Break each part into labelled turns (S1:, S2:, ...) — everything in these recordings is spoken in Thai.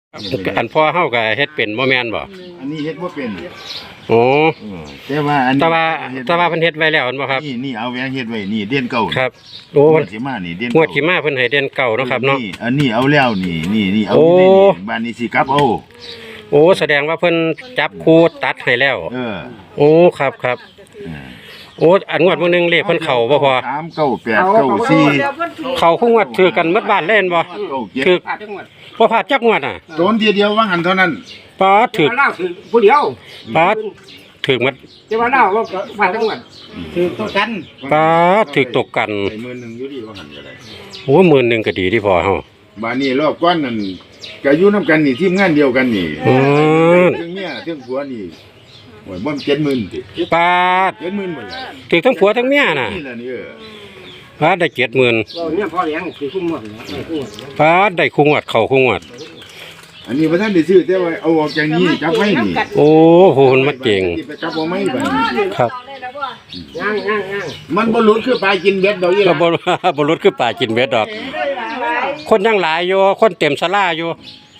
S1: อันพ่อเฮาก็เฮ็ดเป็นบ่แม่นบ่
S2: อันนี้เฮ็ดบ่เป็น
S1: โอ้
S2: แต่ว่าอันนี้
S1: แต่ว่าเพิ่นเฮ็ดไว้แล้วอันบ่ครับ
S2: นี่เอาแหวนเฮ็ดไว้นี่เด่นเก่า
S1: ครับโอ้
S2: มันสิมานี่เด่น
S1: งวดสิมาเพิ่นให้เด่นเก่าเนาะครับเนาะ
S2: อันนี้เอาแล้วนี่เอานี่บ้านนี้สิกลับเอา
S1: โอ้แสดงว่าเพิ่นจับคู่ตัดให้แล้วโอ้ครับโอ้อันงวดมื้อนึงเลขเพิ่นเข้าบ่พอ
S2: 3 9 8 9 4
S1: เข้าคู่งวดถือกันหมดบ้านเล่นบ่ถือบ่พลาดจักงวดอ่ะ
S2: โดนเดียวว่าหันเท่านั้น
S1: ป้าถือ
S3: ผู้เดียว
S1: ป้าถือหมด
S3: แต่ว่าเราก็พลาดจังหวัดถือตกกัน
S1: ป้าถือตกกัน
S2: 10,000อยู่ดีว่าหันก็ได้
S1: โอ้10,000ก็ดีที่พอเฮา
S2: บ้านนี้รอบก้อนนั่นก็อยู่นำกันนี่ทีมงานเดียวกันนี่ถึงเมียถึงผัวนี่โอ้ยบ่70,000ติ
S1: ป้า
S2: 70,000บ่ล่ะ
S1: ถือทั้งผัวทั้งเมียน่ะ
S2: นี่ล่ะนี่
S1: ป้าได้70,000
S3: เนี่ยพอเลี้ยงคือคุ้มหมด
S1: ป้าได้คู่งวดเข้าคู่งวด
S2: อันนี้บ่ทันได้ซื้อแต่ว่าเอาออกจากนี้จับไว้นี่
S1: โอ้โหมันเก่ง
S2: จับบ่ไม้บัดนี้
S1: ครับ
S3: ย่าง
S2: มันบ่หลุดคือปลากินเบ็ดดอกอีหล่ะ
S1: บ่หลุดคือปลากินเบ็ดดอกคนยังหลายอยู่คนเต็มศาลาอยู่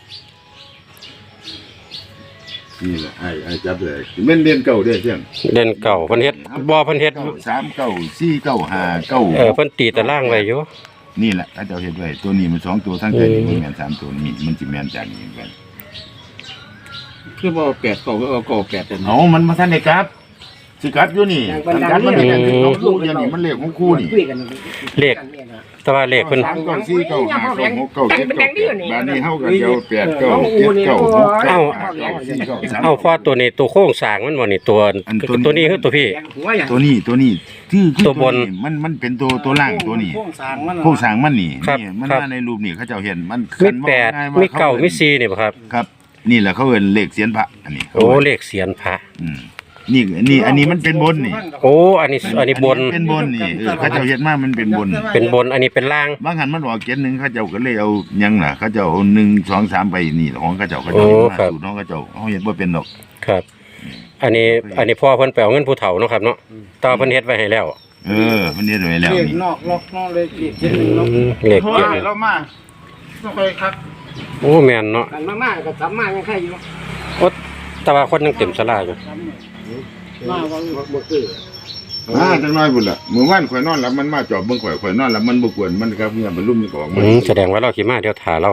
S2: นี่แหละไอ้จับเลยแม่นเด่นเก่าเด้อเสียง
S1: เด่นเก่าเพิ่นเฮ็ดบ่เพิ่นเฮ็ด
S2: 3 9 4 9 5 9
S1: เพิ่นตีตารางไว้อยู่
S2: นี่แหละเขาเจ้าเฮ็ดไว้ตัวนี้มัน2ตัวทั้งใจนี่แม่น3ตัวนี่มันสิแม่นจากนี้กัน
S3: คือบ่8 9ก็เอา9 8แต่
S2: เอามันบ่ทันได้กลับสิกลับอยู่นี่กันมันเป็นของคู่เดียวนี่มันเลขของคู่นี่
S1: เลขแต่ว่าเลขเพิ่น
S2: 3 9 4 9 5 9 6 9 7 9บ้านนี้เฮาก็เดียว8 9 7 9 6 9
S1: เอาพอตัวนี้ตัวโค้งสร้างมันบ่นี่ตัวนี้คือตัวพี่
S2: ตัวนี้คือตัวบนมันเป็นตัวล่างตัวนี้โค้งสร้างมันนี่มันมาในรูปนี่เขาเจ้าเห็นมัน
S1: มี8มี9มี4นี่บ่ครับ
S2: ครับนี่แหละเขาเอิ้นเลขเสียนพระอันนี้
S1: โอ้เลขเสียนพระ
S2: นี่อันนี้มันเป็นบนนี่
S1: โอ้อันนี้บน
S2: เป็นบนนี่เขาเจ้าเฮ็ดมามันเป็นบน
S1: อันนี้เป็นล่าง
S2: บางหันมันออกเจ็ดนึงเขาเจ้าก็เลยเอายังล่ะเขาเจ้าเอา1 2 3ไปนี่ของเขาเจ้ามาสูตรของเขาเจ้าเฮาเฮ็ดบ่เป็นดอก
S1: ครับอันนี้พ่อเพิ่นไปเอาเงินผู้เฒ่าเนาะครับเนาะต่อเพิ่นเฮ็ดไว้ให้แล้ว
S2: เพิ่นเฮ็ดไว้แล้วนี่
S3: นอกเลยเจ็ดเนาะ
S1: เลขเจ็ด
S3: เรามาบ่ค่อยครับ
S1: โอ้แม่นเนาะ
S3: กันมากๆก็ทำมายังใครอยู่
S1: โอ้แต่ว่าคนยังเต็มศาลาอยู่
S3: มาบ่คือ
S2: จังน้อยพุ่นล่ะมื้อวานข่อยนอนหลับมันมาจอบเบิ่งข่อยนอนหลับมันบ่กวนมันครับเงียบบ่ลุ่มนี่ก็ออกมา
S1: แสดงว่าเราสิมาเดี๋ยวท่าเรา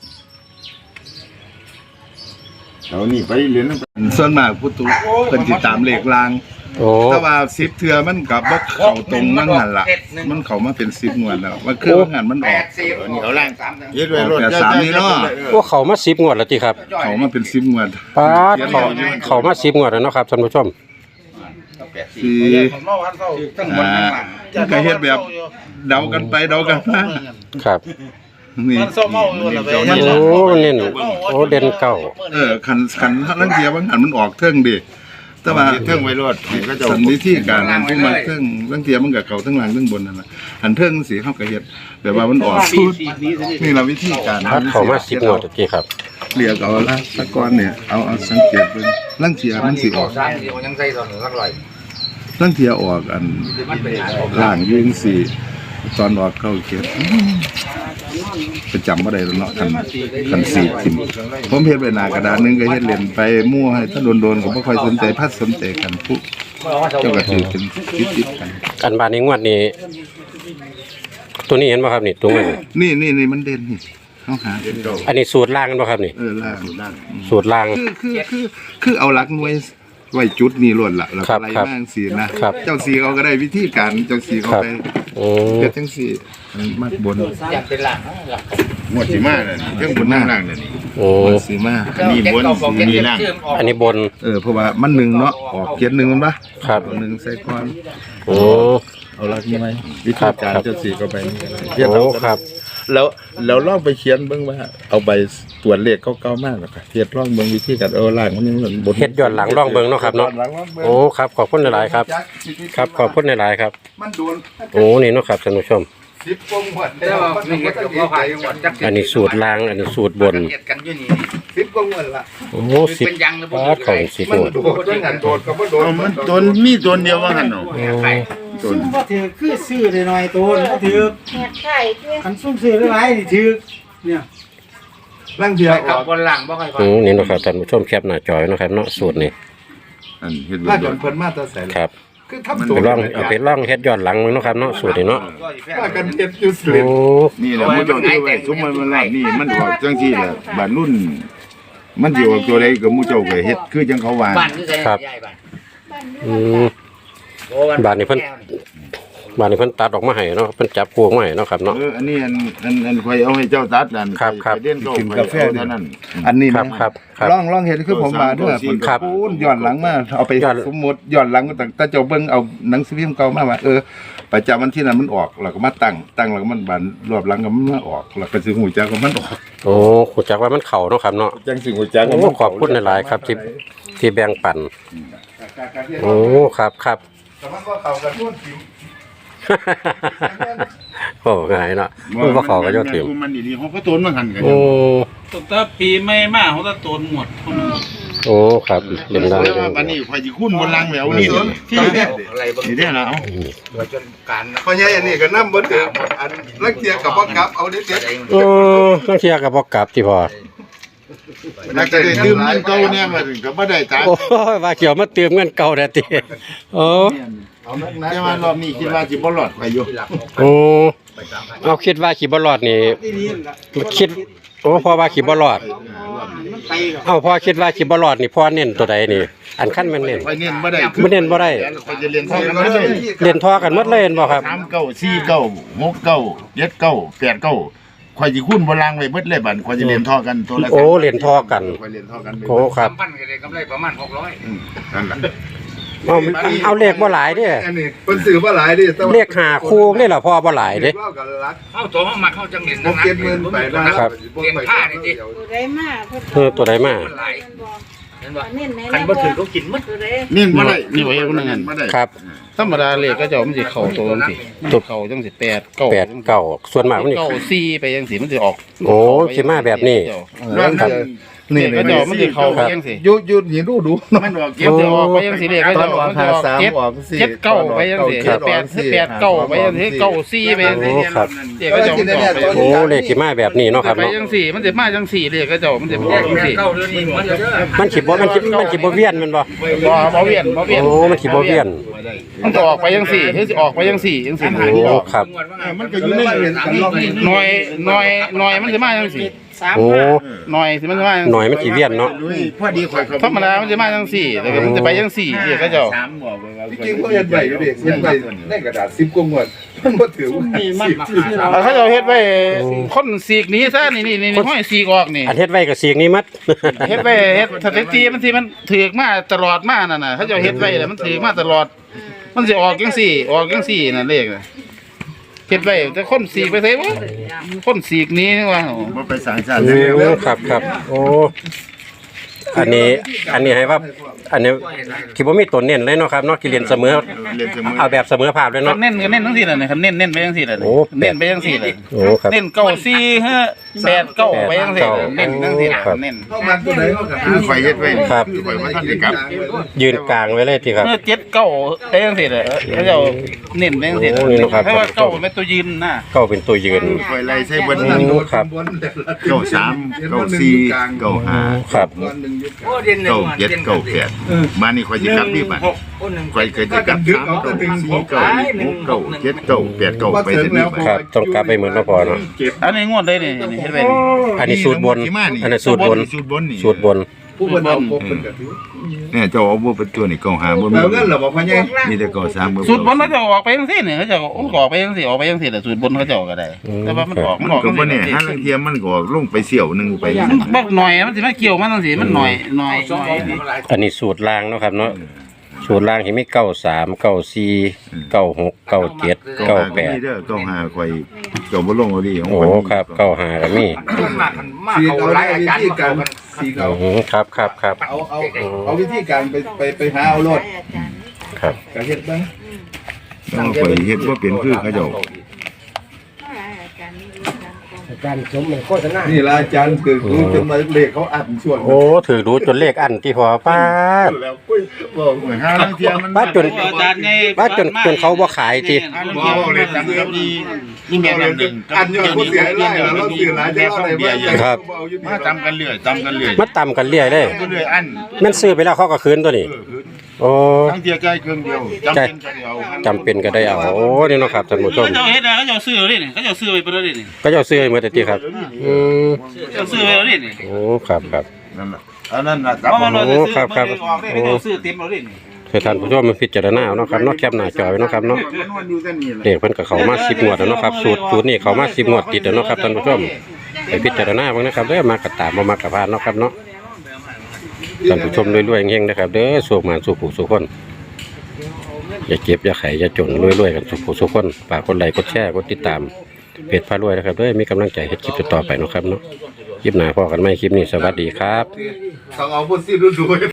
S2: เอานี่ไปเรียนส่วนมากพุทธุเพิ่นสิตามเลขลางแต่ว่า10เทื่อมันก็บ่เข้าตรงนั่นหั่นล่ะมันเข้ามาเป็น10งวดแล้วมันคือว่างานมันออก
S3: นี่เอาล่าง
S2: เฮ็ดไว้รถ3นี่เนาะ
S1: พวกเขามา10งวดแล้วติครับ
S2: เข้ามาเป็น10งวด
S1: ป๊าดเขามา10งวดแล้วเนาะครับท่านผู้ชม
S2: คือก็เฮ็ดแบบเดากันไปเดากันมา
S1: ครับ
S2: นี่
S1: โอ้เน้นโอ้เด่นเก่า
S2: คันลังเทียบางหันมันออกเทิงดิแต่ว่าเทิงไว้รถก็จะสันวิธีการทุกมาเทิงลังเทียมันก็เข้าทั้งล่างทั้งบนนั่นน่ะหันเทิงสิเฮาก็เฮ็ดแต่ว่ามันออกสูตรนี่ล่ะวิธีการ
S1: เขามา10งวดตะกี้ครับ
S2: เรียกเอาละตะกอนเนี่ยเอาสังเกตเบิ่งลังเทียมันสิออก
S3: ยังใส่ตอน100
S2: ลังเทียออกอันล่างยิงสิตอนออกเข้าเขียนประจำบ่ได้แล้วเนาะคันสีทิ่มผมเฮ็ดไว้หน้ากระดานนึงก็เฮ็ดเล่นไปมั่วให้ถ้าโดนๆก็บ่ค่อยสนใจพัดสนใจกันผู้เจ้าก็ถือเป็นติดกัน
S1: อันบาดนี้งวดนี้ตัวนี้เห็นบ่ครับนี่ตัว
S2: นี่มันเด่นนี่เฮาหา
S1: อันนี้สูตรล่างกันบ่ครับนี่
S2: ล่าง
S1: สูตรล่าง
S2: คือเอาหลักหน่วยไว้จุดนี่ล้วนล่ะแล้วอะไรบ้างสินะเจ้าสีเขาก็ได้วิธีการเจ้าสีเขาไปเฮ็ดจังซี่มัดบน
S3: อยากเป็นหลัง
S2: หมดสิมาน่ะเครื่องบนล่างนี่
S1: โอ้
S2: สิมาอันนี้บนนี่ล่าง
S1: อันนี้บน
S2: เพราะว่ามัน1เนาะออกเขียน1มันบ่
S1: ครับ
S2: 1ใส่ก่อน
S1: โอ้
S2: เอาหลักนี่มั้ยวิธีการเจ้าสีก็ไป
S1: เฮ็ดเอาครับ
S2: แล้วลองไปเขียนเบิ่งว่าเอาใบตรวจเลขเก่าๆมากแล้วก็เฮ็ดลองเบิ่งวิธีการล่างมันยัง
S1: บนเฮ็ดย้อนหลังลองเบิ่งเนาะครับเนาะโอ้ครับขอบคุณหลายๆครับครับขอบคุณหลายๆครับ
S2: มันโดน
S1: โอ้นี่เนาะครับท่านผู้ชม
S2: 10กว่าหมด
S3: แล้วไม่เฮ็ดกับบ่ขายจังหวัดจัก
S1: อันนี้สูตรล่างอันนี้สูตรบน
S3: เฮ็ดกันอยู่นี่10กว่าหมดละ
S1: โอ้10เป็นยังแล้วบ่ของ10
S2: มันโดดจังหันโดดก็บ่โดดมันโดนมีโดนเดียวว่าหั่นเนาะ
S3: ซุ่มบ่ถือคือซื้อได้หน่อยโตบ่ถือคันซุ่มซื้อหลายนี่ถือเนี่ย
S2: ร่างเทียออก
S4: บนหลังบ่ค่อยฟัง
S1: นี่เนาะครับท่านผู้ชมแคปหน้าจอยเนาะครับเนาะสูตรนี้
S2: อันเฮ็ด
S5: ถ้า
S2: ไว้
S5: จนเพิ่นมาแตะใส่
S1: ครับ
S5: คือทำตัว
S1: ไปลองเอาไปลองเฮ็ดย้อนหลังเนาะครับเนาะสูตรนี้เนาะ
S5: ว่ากันเฮ็ดอยู่สิ
S1: โอ้
S2: นี่แหละมูเจ้าที่ไว้ซุมมันล่ะนี่มันออกจังซี่แหละบาดรุ่น มันสิออกตัวใดก็มูเจ้าก็เฮ็ดคือจังเขาว่า
S4: บ้านคือใส่ใหญ่บ้าน
S1: อืมบาดนี้เพิ่นตัดออกมาให้เนาะเพิ่นจับพวงมาให้เนาะครับเนาะ
S2: อันนี้อันข่อยเอาให้เจ้าตัดนั่น
S1: ครับครับ
S2: ไปเด่นกินกาแฟเท่านั้น
S5: อันนี้
S1: ครับครับครับ
S5: ลองเห็นคือผมมาเด้อ
S1: ครับ
S5: ปูนย้อนหลังมาเอาไป
S1: ย้อน
S5: สมมุติย้อนหลังตั้งแต่เจ้าเบิ่งเอาหนังสือพิมพ์เก่ามาว่าประจำวันที่นั้นมันออกแล้วก็มาตั้งแล้วก็มันบานรอบหลังก็มันมาออกแล้วก็สิฮู้จักว่ามันออก
S1: โอ้ขุดจักว่ามันเข่าเนาะครับเนาะ
S5: จังสิฮู้จัก
S1: โอ้ขอบคุณหลายๆครับที่แบ่งปันโอ้ครับครับ
S5: แต่มันก็เข้ากันทุกทีม
S1: โอ้ง่ายเนาะมันบ่เข้ากับยอดถิ่ม
S2: มันดีๆเขาก็ต้นมาหั่นกัน
S1: โอ้
S3: ตั้งแต่ปีใหม่มาเขาจะโตนหมด
S1: โอ้ครับเล่นได้
S2: แต่ว่าบัดนี้ข่อยสิคุ้นบนลังแล้วนี่ที่
S4: อะไรบ่
S2: นี่เด้อนะเอา
S4: จนการ
S5: พ่อใหญ่อันนี้ก็นำบ่ถึงอันลักเทียกับบ่กลับเอาเด็ด
S1: โอ้ลังเที่ยก็บ่กลับที่พอ
S2: นักจะได้ดื่มเงินเก่าเนี่ยมาถึงก็บ่ได้ตังค์
S1: โอ้ยว่าเกี่ยวมาเติมเงินเก่าแท้ติโอ้
S5: เอานัก
S2: แต่ว่ารอบนี้คิดว่าสิบ่รอดไปอยู่
S1: โอ้เอาคิดว่าขี่บ่รอดนี่คิดโอ้พอว่าขี่บ่รอดเอาพอคิดว่าขี่บ่รอดนี่พอเน้นตัวใดนี่ อันขั้นแม่นเน้น
S2: ไปเน้นบ่ได้
S1: บ่เน้นบ่ได้
S2: ข่อยจะเรียนเท่ากันบ่ได้
S1: เล่นทอกันหมดเลยเห็นบ่ครับ
S2: 3 9 4 9 6 9 7 9 8 9ข่อยสิคุ้นบนลังไว้เบิดเลยบัดข่อยจะเรียนเท่ากันตัวละ
S1: โอ้เล่นทอกัน
S2: ข่อยเรียนเท่ากันไป
S1: โอ้ครับ
S4: พันก็ได้กำไรประมาณ600
S2: นั่นล่ะ
S1: เอาเลขบ่หลายเด้
S5: อันนี้เพิ่นซื้อบ่หลายดิแต่ว่า
S1: เลขหาคู่นี่ล่ะพอบ่หลายเด้
S5: เล่ากันรัก
S4: เข้าตัวมาเข้าจังเรียน
S5: บ่เก็บเงินไปนะ
S1: ครับ
S4: เรียนผ้านี่ดิ
S6: ตัวใดมาเพิ่น
S1: ตัวใดมา
S4: หลายเห็นบ่
S6: เน้นไหน
S4: คันบ่ถือเขากินหมด
S6: ตัวใด
S2: เน้นบ่ได้
S3: นี่ไว้เอานั่น
S2: บ่ได้
S1: ครับ
S3: ธรรมดาเลขก็จะมันสิเข้าตัวจังซี่ตัวเข้าจังสิ8 9
S1: 8 9ส่วนมากมันนี่
S3: 4ไปจังสิมันสิออก
S1: โอ้สิมาแบบนี้
S2: ครับ
S3: นี่ก็จะมันสิเข้าไปจังสิ
S5: ยุดนี่ดู
S2: มันออกเก็
S3: เก็
S2: บบ
S3: จะออกไปยังสิเลขก็จะออกมันจะออกเจ็ดเก้าไปยังสิ8 8 9ไปยังสิ9 4ไปยังสิ
S1: โอ้ครับ
S3: เลขก็จะมันจะออกไป
S1: โอ้เลขสิมาแบบนี้เนาะครับ
S3: ไป
S1: เนาะ
S3: ยังสิมันจะมาจังสิเลขก็จะมันจะออกจังสิ
S4: เข้าเรื่องนี้มันจะ
S1: มันสิบ่เวียนแมันบ่
S3: บ่เวียน
S1: โอ้มันสิบ่เวียน
S3: มันจะออกไปยังสิคือสิออกไปยังสิจังสิ
S1: โอ้ครับ
S2: มันก็อยู่ใน
S3: หน่อยมันจะมาจังสิ
S1: โอ้
S3: หน่อยสิมันจะมา
S1: หน่อยมันสิเวียนเนาะ
S2: พอดีข่อย
S3: ธรรมดามันจะมาจังสิแต่มันจะไปจังสิเลขก็จะ
S2: 3บอกว่า
S5: จริงๆเขาเฮ็ดใบอยู่ดิเฮ็ดใบในกระดาษ10กว่างวดมันบ่ถือว่า
S3: เขาจะเฮ็ดไว้คนสีกนี้ซะนี่ห้อยสีกออกนี่
S1: อันเฮ็ดไว้กับเสียงนี้มัด
S3: เฮ็ดไว้เฮ็ดสถิติมันสิมันถือกมาตลอดมานั่นน่ะเขาเจะเฮ็ดไว้แล้วมันถือกมาตลอด มันสิออกจังซี่น่ะเลขน่ะเฮ็ดไว้แต่คนสีกไปไสบ่คนสีกนี้นี่ว่า
S2: บ่ไปสร้างชาติ
S1: โอ้ครับครับโอ้อันนี้ให้ว่าอันนี้ที่บ่มีตัวเน้นเลยเนาะครับเนาะที่เรียนเสมอ
S2: เรียนเสมอ
S1: เอาแบบเสมอภาพเลย
S3: ก็
S1: เนาะ
S3: เน้นจังซี่น่ะนะครับเน้นไปจังซี่น่ะ
S1: โอ้
S3: เน้นไปจังซี่น่ะ
S1: โอ้ครับ
S3: เน้น9 4 5 8 9ไปจังซี่เน้นจังซี่น่ะ
S1: ครับ
S3: เน้น
S5: เข้ามาตัวไหนเขาก็
S2: คือข่อยเฮ็ดไว้
S1: ครับ
S2: ข่อยบ่ทันได้กลับ
S1: ยืนกลางไว้เลยที่ครับ
S3: เมื่อ7 9ไปจังซี่น่ะเขาเจะเน้นไปจังซี่น่ะ
S1: โอ้นี่เนาะครับ
S3: เพราะว่า9เป็นตัวยืนนะ
S1: ก็เป็นตัวยืน
S2: ข่อยไล่ใส่เบิด
S1: โอ้ครับ
S2: เก้าสามเก้าสี่เก้าห้า
S1: ครับ
S4: โอ้เรียนหนึ่ง
S2: เก้าเจ็ดเก้าแปดมานี่ข่อยสิกลับนี่บัด
S4: 1
S2: ข่อยเคยจะกลับ3 เก้า4 เก้า6 เก้า7 เก้า8 เก้าไปสินี่บัด
S1: ครับต้องกลับไปเหมือนเนาะพอเนาะ
S3: อันนี้งวดได้นี่เฮ็ดไว้นี่
S1: อันนี้สูตรบน อันนี้สูตรบน
S2: สูตรบนนี่
S1: สูตรบน
S5: ผู้คนเอาพบเป็นกระถือ
S2: เนี่ยเจ้าเอาบ่เป็นตัวนี่เก้าห้าบ่มี
S5: แล้วเงินเหรอบอกพ่อใหญ่
S2: มีแต่เก้าสามบ่
S3: สูตรบนเขาจะออกไปจังซี่นี่เขาจะออกไปจังซี่ออกไปจังซี่แต่สูตรบนเขาจะออกก็ได้ แต่ว่ามันออก
S2: มันก็บ่แน่หาลังเทียมันก็ลงไปเสี่ยวนึงไป
S3: บักหน่อยมันสิมาเกี่ยวมันจังซี่มันหน่อย
S1: อันนี้สูตรล่างเนาะครับเนาะสูตรล่างที่มี93 94 96 97
S2: นี่
S1: 98
S2: เด้อเก้าห้าข่อยเจ้าบ่ลงเอาดิของ
S1: โอ้
S2: ข่อย
S1: ครับ95ก็มี
S4: มา
S5: สี
S4: เขา
S5: เอา
S4: หลายอา
S5: วิ
S4: จารย์
S5: ธี
S4: มา
S5: การ
S4: เขากัน
S5: สีเอา
S1: ครับ
S5: เอาวิธีการไปหาเอารถ
S1: ครับ
S5: กระเฮ็ดบ้าง
S2: ต้องข่อยเฮ็ดบ่เป็นคือเขาเจ้า
S6: อาจารย์สมมันโฆษณา
S2: นี่ละอาจารย์คือรู้จนมาเลขเขาอัดช่วง
S1: โอ้ถือดูจนเลขอันที่พอป้าด
S2: แล้วปุ้ยบอกเหมือนห้าลังเทียมัน
S1: ป้าดจนป้าดจนเขาบ่ขายที
S3: บอกเลยจังครับนี่แม่น้ำหนึ่ง
S2: อันยังผู้เสียได้แล้วเราเสียหลายจะอะไรบ้าง
S1: ครับ
S3: มาจำกันเรื่อยจำกันเรื่อย
S1: มาต่ำกันเรื่อยเลย
S3: เรื่อยอัน
S1: แมันซื้อไปแล้วเขาก็คืนตัวนี้โอ้
S3: ทั้งเทียใจเครื่องเดียวจำเป็นก็เดียว
S1: จำเป็นก็ได้เอาโอ้นี่เนาะครับท่านผู้ชม
S7: เขาเฮ็ดนะเขาจะซื้อเลยนี่เขาจะซื้อไปเพื่อเลยนี่
S1: ก็จะซื้อให้หมดแต่ที่ครับ
S7: เขาซื้อไปเลยนี่
S1: โอ้ครับครับ
S3: นั่นน่ะอันนั้นน่ะ
S7: เพราะมันเราจะซื้อ
S1: ครับครับ
S7: ออกได้เขาซื้อเต็มเลยนี่
S1: ให้ท่านผู้ชมมาพิจารณาเอาเนาะครับเนาะแคปหน้าจอไว้เนาะครับเนาะเลขเพิ่นก็เข้ามา10งวดแล้วเนาะครับสูตรนี้เข้ามา10งวดติดแล้วเนาะครับท่านผู้ชมไปพิจารณาเบิ่งนะครับเด้อมากระตามบ่มากระพานเนาะครับเนาะท่านผู้ชมรวยๆเฮงๆนะครับเด้อสุขมานสุขผู้สุขคนอย่าเจ็บอย่าไข้อย่าจนรวยๆกันสุขผู้สุขคนฝากกดไลค์กดแชร์กดติดตามเพจพารวยนะครับเด้อมีกำลังใจเฮ็ดคลิปต่อไปเนาะครับเนาะคลิปหน้าพอกันใหม่คลิปนี้สวัสดีครับ
S2: ต้องเอาพวกซีดู